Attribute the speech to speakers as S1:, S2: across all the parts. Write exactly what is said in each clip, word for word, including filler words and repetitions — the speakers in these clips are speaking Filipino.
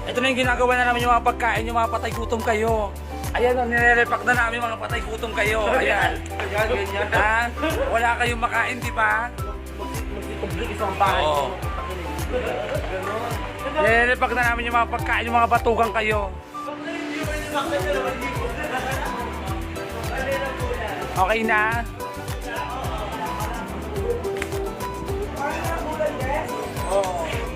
S1: Ito na yung ginagawa na namin yung mga pagkain, yung mga patay gutom kayo. Ayan o, nire-repack na namin mga patay gutom kayo. Ayan.
S2: Ayan, ganyan.
S1: Ha? Wala kayong makain, di ba?
S2: Mag-public isang bahay.
S1: Oo. Nire-repack na namin yung mga pagkain, yung mga batugang kayo. Okay na? Oo.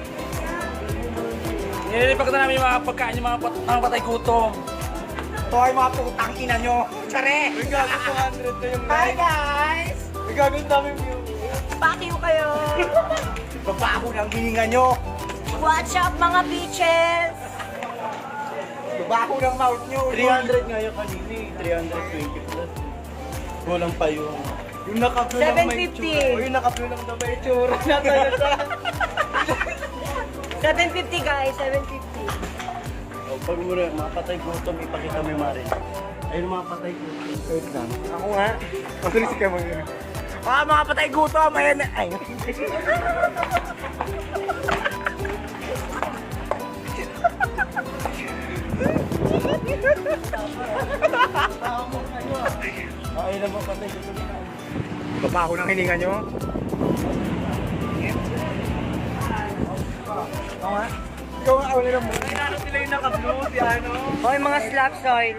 S1: Nire-repack na namin yung mga pagkain, yung mga, pat mga patay gutom.
S2: Ito ay mga putang ina nyo. Tsare! May gagawin two hundred na yung
S3: Hi guys!
S2: May gagawin dami view.
S3: Pakiw kayo!
S2: Babaho ng hininga nyo.
S3: Watch up mga bitches!
S2: Babaho ng mouth nyo. three hundred nga yung kanina eh. three twenty plus. Kulang pa yung... Yung naka-view lang
S3: seven
S2: may
S3: fifty.
S2: tsura. O yung naka-view lang na may tsura. Natalata.
S3: seven fifty guys, seven fifty.
S2: O, pag muna, mga patay gutom, ipakita mo yung marin. Ayun mga patay gutom. Wait lang. Ako nga. Matulis ka mo yun. Ah, mga patay gutom! Ayan na. Ay. Ayun na mga patay gutom. Babaho ng hininga nyo. Oo nga. Ikaw nga, wala lang mo. Ay, naroon sila yung naka-blue, si ano.
S3: Hoy mga slap soil.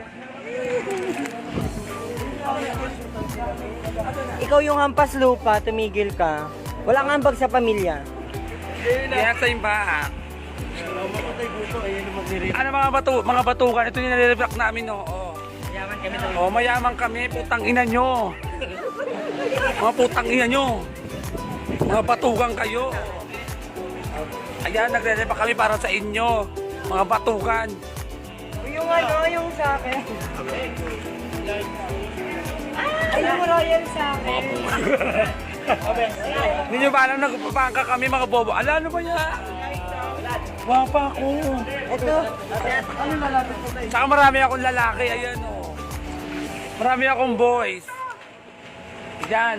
S3: Ikaw yung hampas lupa, tumigil ka. Wala kang ambag sa pamilya.
S1: Kaya sa imbahan.
S2: Mamatay gusto, ayun yung magnirin.
S1: Ano mga batu mga batukan? Ito yung nire-repack namin, no? Oh.
S3: Yaman kami sa
S1: Oh, mayaman kami, putang ina nyo. Mga putang ina nyo. Mga batukan kayo. Ayan, nagre-repack kami para sa inyo. Mga batukan.
S3: Yung ano, yung sa akin. Ay, yung royal sa akin.
S1: Hindi nyo ba alam, nagpapangka kami mga bobo. Ala, ano ba yan? Wapa ako.
S3: Ito.
S1: Saka marami akong lalaki, ayan o. Oh. Marami akong boys. Yan.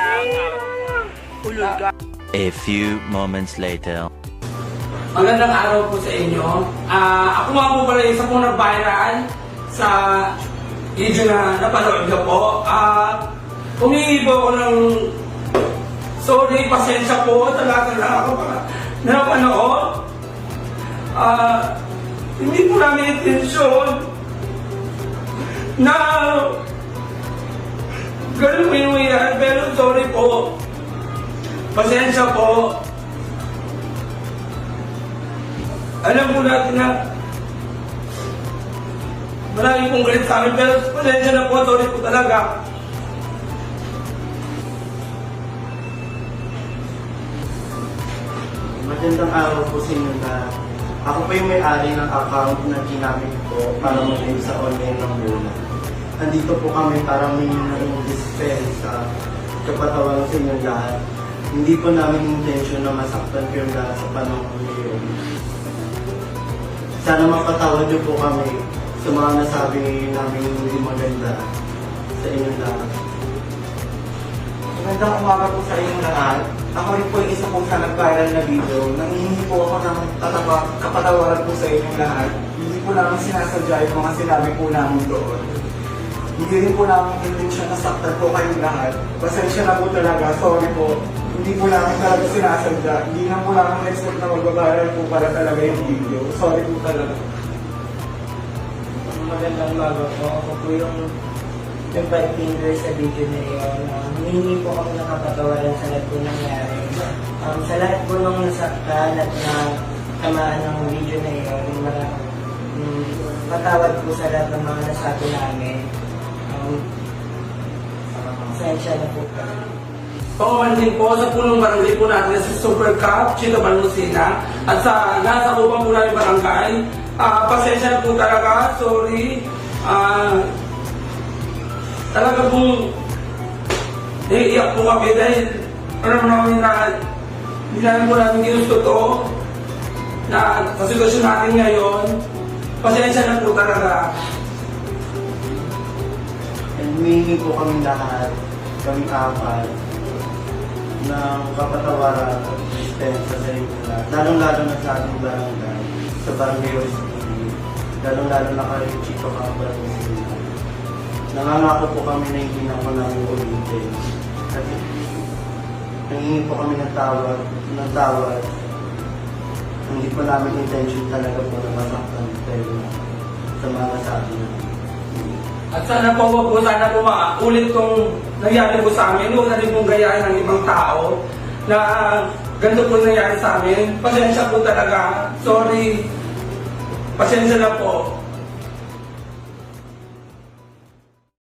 S1: Ulul ka.
S4: A few moments later.
S1: Magandang araw po sa inyo. Ah, ako nga po pala isa pong nag-viral sa video na napanood niyo po. Ah, humingi po ako ng sorry, pasensya po. Talaga lang ako pa napanood. Ah, hindi po namin intensyon na ganun po yung yan. Pero sorry po. Pasensya po. Alam po natin na marami pong galit sa amin, pero pasensya na po, sorry po talaga.
S5: Magandang araw po sa inyo na ako pa yung may-ari ng account na ginamit ko para mag-live sa online ng Luna. Nandito po kami para may ng dispensa kapatawan sa inyo lahat. Hindi po namin intention na masaktan kayo lahat sa panahon ngayon. Sana mapatawad niyo po kami sa mga nasabi namin hindi maganda sa inyo lahat.
S6: Magandang umaga po sa inyo lahat. Ako rin po yung isa po sa nag-viral na video. Nangihingi po ako ng tataba, kapatawaran po sa inyong lahat. Hindi po namin sinasadya yung mga sinabi po namin doon. Hindi rin po namin intensyon na saktan po kayong lahat. Pasensya na po talaga, sorry po. Hindi po namin talaga sinasadya. Hindi na po namin expect na mag-viral po para talaga yung video. Sorry po talaga.
S3: Magandang umaga po. Ako po yung yung five fingers sa video na yun. Um, Hihingi po kami ng kapatawaran sa lahat po nangyari. Um, sa lahat po nung nasaktan at na tamaan ng video na yun, mara- um, patawad po sa lahat ng mga nasabi namin. Um, Pasensya na po kami.
S1: Pangaman din po sa punong barangay po natin sa Super Cup, Chita Balmusina, at sa nasa upang po namin barangay. Ah, pasensya na po talaga, sorry. Ah, talaga pong naiiyak po kami dahil alam namin na hindi namin po namin ginusto to na sa sitwasyon natin ngayon. Pasensya na po talaga.
S5: And humihingi po kami lahat, kami apat, ng kapatawaran at dispensa sa inyo lahat. Lalong-lalo na sa ating barangay. sa Barangay Rose City, lalong-lalo na kay Chico Cabral. Nangangako po kami na hindi na ako namin ulitin. At nangingi po kami ng tawad, ng tawad. Hindi po namin intention talaga po na masaktan pero sa mga sabi namin.
S1: At sana po, wag po, sana po maulit tong nangyari po sa amin. Huwag na rin pong gayahin ng ibang tao na ganito po nangyari sa amin. Pasensya po talaga. Sorry. Pasensya na po.